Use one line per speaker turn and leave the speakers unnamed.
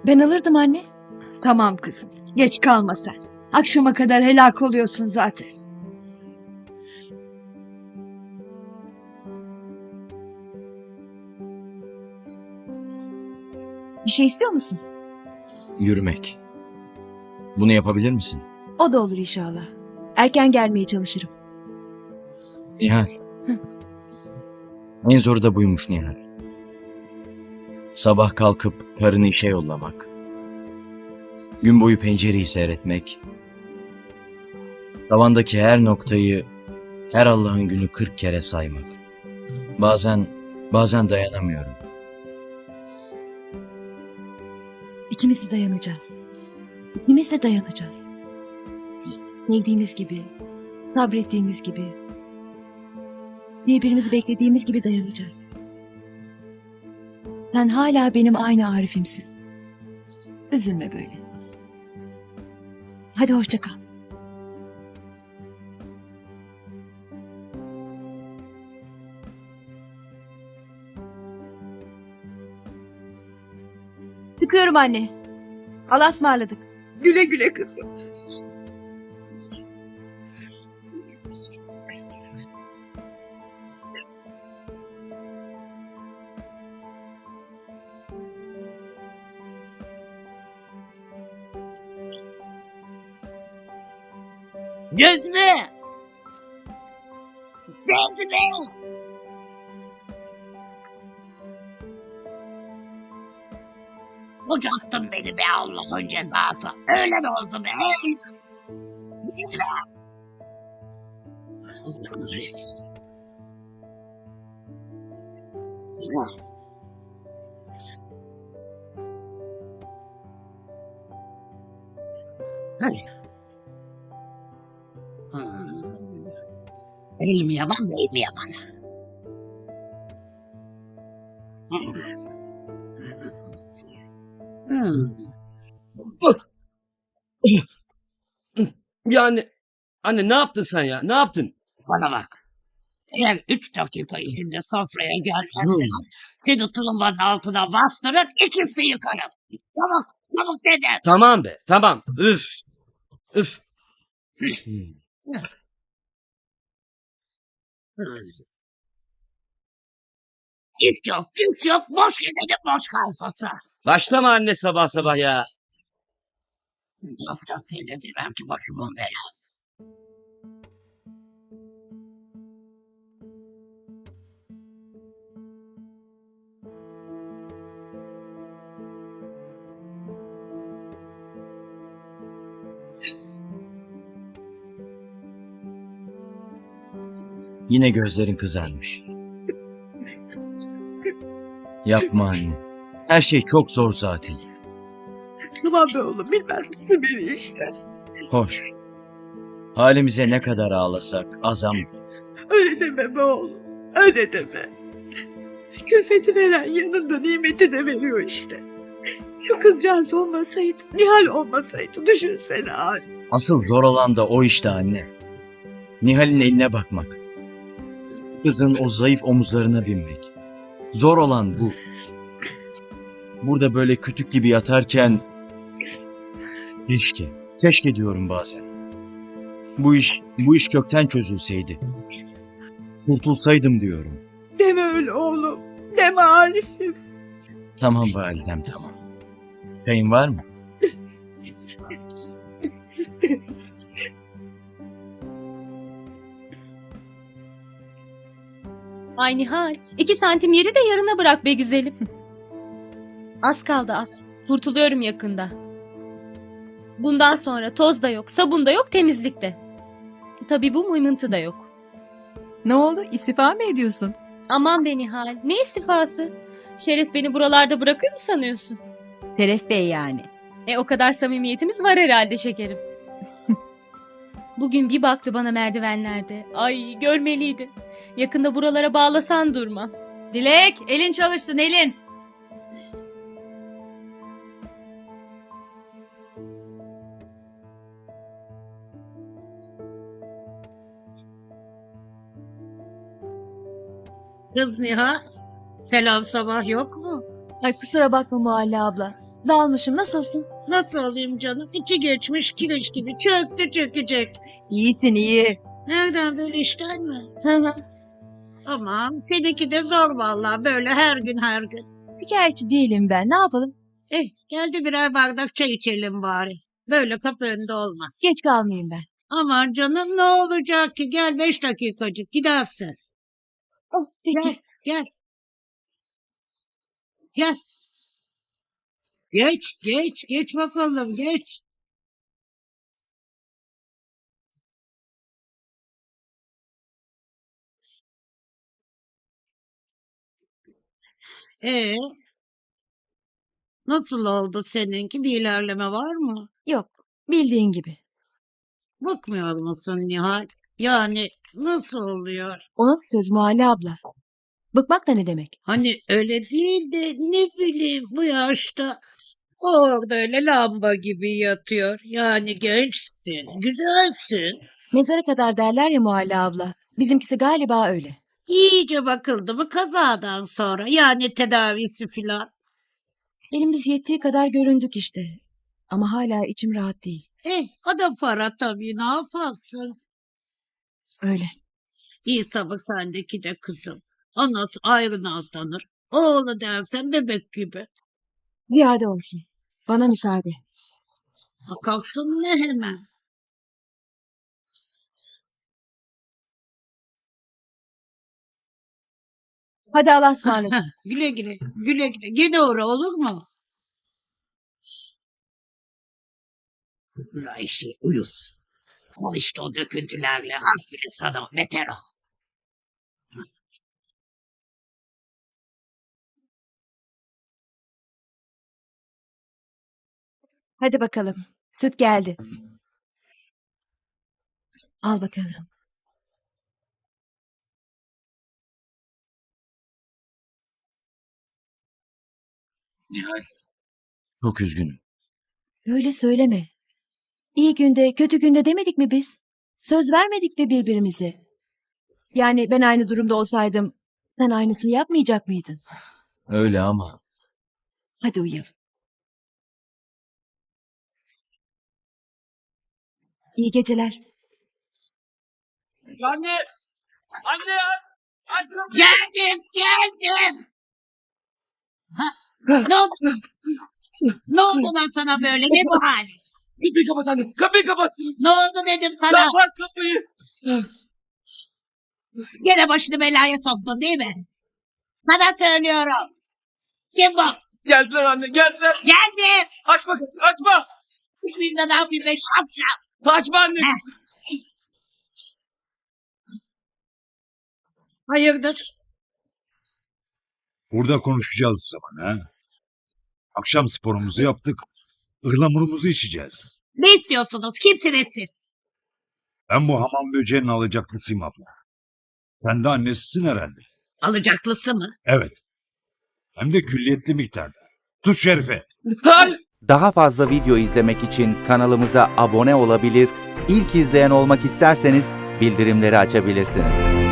Ben alırdım anne.
Tamam kızım. Geç kalma sen. Akşama kadar helak oluyorsun zaten.
Bir şey istiyor musun?
Yürümek. Bunu yapabilir misin?
O da olur inşallah. Erken gelmeye çalışırım.
Nihal. En zoru da buymuş Nihal. Sabah kalkıp karını işe yollamak. Gün boyu pencereyi seyretmek. Tavandaki her noktayı her Allah'ın günü 40 kere saymak. Bazen dayanamıyorum.
İkimiz de dayanacağız. İkimiz de dayanacağız. Sevdiğimiz gibi, sabrettiğimiz gibi, birbirimizi beklediğimiz gibi dayanacağız. Sen hala benim aynı Arif'imsin. Üzülme böyle. Hadi hoşça kal. Çıkıyorum anne. Allah'a ısmarladık.
Güle güle kızım.
Gözme! Gözme! Bucaktın beni be Allah'ın cezası. Öyle mi oldu be? Gözme! Allah'ın rezil. Hayır. Elim yaman, belim yaman.
Yani anne ne yaptın sen ya? Ne yaptın?
Bana bak. Eğer 3 dakika içinde sofraya gelmezsen seni tulumbanın altına bastırır, ikisi yıkarım. Çabuk, çabuk dedim.
Tamam be, tamam. Üf. Üf.
Hiç yok, güç yok, boş gidelim, boş kalfası.
Başlama anne sabah sabah ya.
Yok da seni bilmem ki başımın belası.
Yine gözlerin kızarmış. Yapma anne. Her şey çok zor zaten.
Tamam be oğlum, bilmez misin beni işte.
Hoş. Halimize ne kadar ağlasak azam.
Öyle deme be oğlum. Öyle deme. Külfeti veren yanında nimeti de veriyor işte. Şu kızcağız olmasaydı, Nihal olmasaydı düşünsene abi.
Asıl zor olan da o işte anne. Nihal'in eline bakmak. Kızın o zayıf omuzlarına binmek. Zor olan bu. Burada böyle kütük gibi yatarken keşke diyorum bazen. Bu iş kökten çözülseydi. Kurtulsaydım diyorum.
Deme öyle oğlum. Deme Arif'im.
Tamam validem tamam. Çayın var mı?
Ay Nihal, 2 santim yeri de yarına bırak be güzelim. Az kaldı az. Kurtuluyorum yakında. Bundan sonra toz da yok, sabun da yok, temizlik de. Tabii bu mıymıntı da yok.
Ne oldu? İstifa mı ediyorsun?
Aman be Nihal, ne istifası? Şeref beni buralarda bırakır mı sanıyorsun?
Şeref Bey yani.
O kadar samimiyetimiz var herhalde şekerim. Bugün bir baktı bana merdivenlerde. Ay görmeliydi. Yakında buralara bağlasan durma.
Dilek, elin çalışsın elin.
Kız Nihal, selam sabah yok mu?
Ay kusura bakma Muhalle abla.
Dalmışım. Nasılsın?
Nasıl olayım canım? İçi geçmiş kireç gibi çöktü çökecek.
İyisin iyi.
Nereden böyle işten mi?
Hı hı.
Aman seninki de zor vallahi böyle her gün her gün.
Şikayetçi değilim ben. Ne yapalım?
Geldi birer bardak çay içelim bari. Böyle kapı önünde olmaz.
Geç kalmayayım ben.
Aman canım ne olacak ki? Gel 5 dakikacık gidersin.
Oh,
Gel, gel. Gel. Geç bakalım, geç. Ee, nasıl oldu seninki? Bir ilerleme var mı?
Yok. Bildiğin gibi.
Bakmıyor musun Nihal? Yani nasıl oluyor?
O nasıl söz Muhalle abla? Bıkmak da ne demek?
Hani öyle değil de ne bileyim bu yaşta orada öyle lamba gibi yatıyor. Yani gençsin, güzelsin.
Mezara kadar derler ya Muhalle abla. Bizimkisi galiba öyle.
İyice bakıldı mı kazadan sonra yani tedavisi filan.
Elimiz yettiği kadar göründük işte. Ama hala içim rahat değil.
O da para tabii ne yaparsın?
Öyle.
İyi sabır sendeki de kızım. Anası ayrı nazlanır. Oğlu dersen bebek gibi.
Ziyade olsun. Bana müsaade.
Ha, kalktın ne hemen?
Hadi Allah'a ısmarladık.
Heh, güle güle, güle güle. Gene uğra olur mu? Ayşe uyuz. Al işte o döküntülerle az bile sana beter ol.
Hadi bakalım. Süt geldi. Al bakalım.
Nihal. Çok üzgünüm.
Öyle söyleme. İyi günde, kötü günde demedik mi biz? Söz vermedik mi birbirimize? Yani ben aynı durumda olsaydım sen aynısını yapmayacak mıydın?
Öyle ama.
Hadi uyuyalım. İyi geceler.
Anne! Anne!
Geldim. Ne oldu? Ne oldu lan sana böyle? Ne bu hal?
Kapıyı kapat anne! Kapıyı kapat!
Ne oldu dedim sana?
Kapat kapıyı!
Gene başını belaya soktun değil mi? Sana söylüyorum. Kim bu?
Geldiler anne geldiler!
Geldim.
Açma açma!
Çıkmayayım da ne yapayım ben şapşal.
Açma anne!
Hayırdır?
Burada konuşacağız o zaman ha. Akşam sporumuzu yaptık. Ihlamurumuzu içeceğiz.
Ne istiyorsunuz? Kimsiniz siz?
Ben bu hamam böceğinin alacaklısıyım abla. Sen de annesisin herhalde.
Alacaklısı mı?
Evet. Hem de külliyetli miktarda. Tut Şerife.
Hayır!
Daha fazla video izlemek için kanalımıza abone olabilir, ilk izleyen olmak isterseniz bildirimleri açabilirsiniz.